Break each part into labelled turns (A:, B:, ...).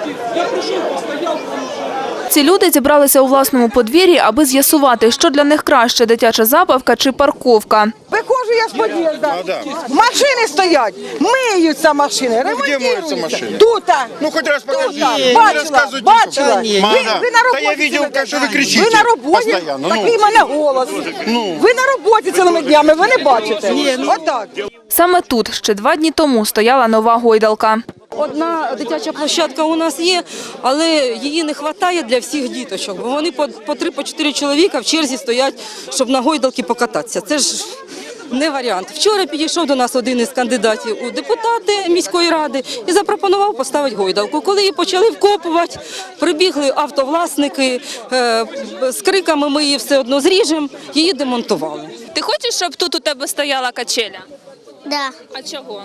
A: Ці люди зібралися у власному подвір'ї, аби з'ясувати, що для них краще – дитяча забавка чи парковка.
B: Виходжу я з під'їзду, машини стоять, миються машини, ремонтуються. Тут.
C: Ну, хоч раз покажи.
B: Бачила. Ви на
C: Та я
B: роботі
C: бачив, що ви кричите.
B: Ви на роботі, такий в мене голос. Ви на роботі цілими днями, ви не бачите. Отак.
A: Саме тут ще 2 дні тому стояла нова гойдалка.
D: Одна дитяча площадка у нас є, але її не вистачає для всіх діточок, бо вони по 3-4 чоловіка в черзі стоять, щоб на гойдалки покататися. Це ж не варіант. Вчора підійшов до нас один із кандидатів у депутати міської ради і запропонував поставити гойдалку. Коли її почали вкопувати, прибігли автовласники з криками «ми її все одно зріжемо», її демонтували.
A: Ти хочеш, щоб тут у тебе стояла качеля?
E: Да,
A: А чого?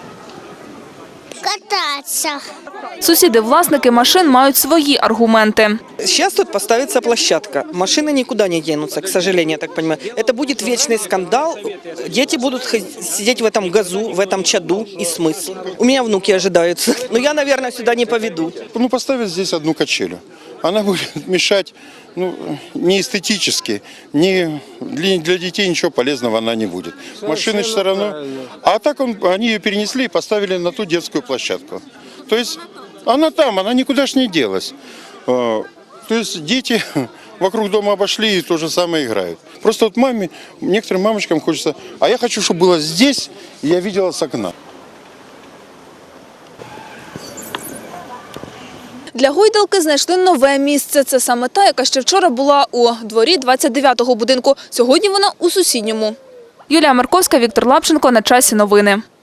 E: кататься.
A: Сусіди-власники машин мають свої аргументи.
F: Сейчас тут поставится площадка. Машины никуда не денутся, к сожалению, я так понимаю. Это будет вечный скандал. Дети будут сидеть в этом газу, в этом чаду. И смысл. У меня внуки ожидаются. Но я, наверное, сюда не поведу.
C: Ну, поставить здесь одну качелю. Она будет мешать, не эстетически, для детей ничего полезного она не будет. Машины все равно. А так они ее перенесли и поставили на ту детскую площадку. То есть она там, она никуда ж не делась. То есть дети вокруг дома обошли и то же самое играют. Просто вот некоторым мамочкам хочется, а я хочу, чтобы было здесь, и я видела с окна.
A: Для гойдалки знайшли нове місце. Це саме та, яка ще вчора була у дворі 29-го будинку. Сьогодні вона у сусідньому. Юлія Марковська, Віктор Лапченко. На часі новини.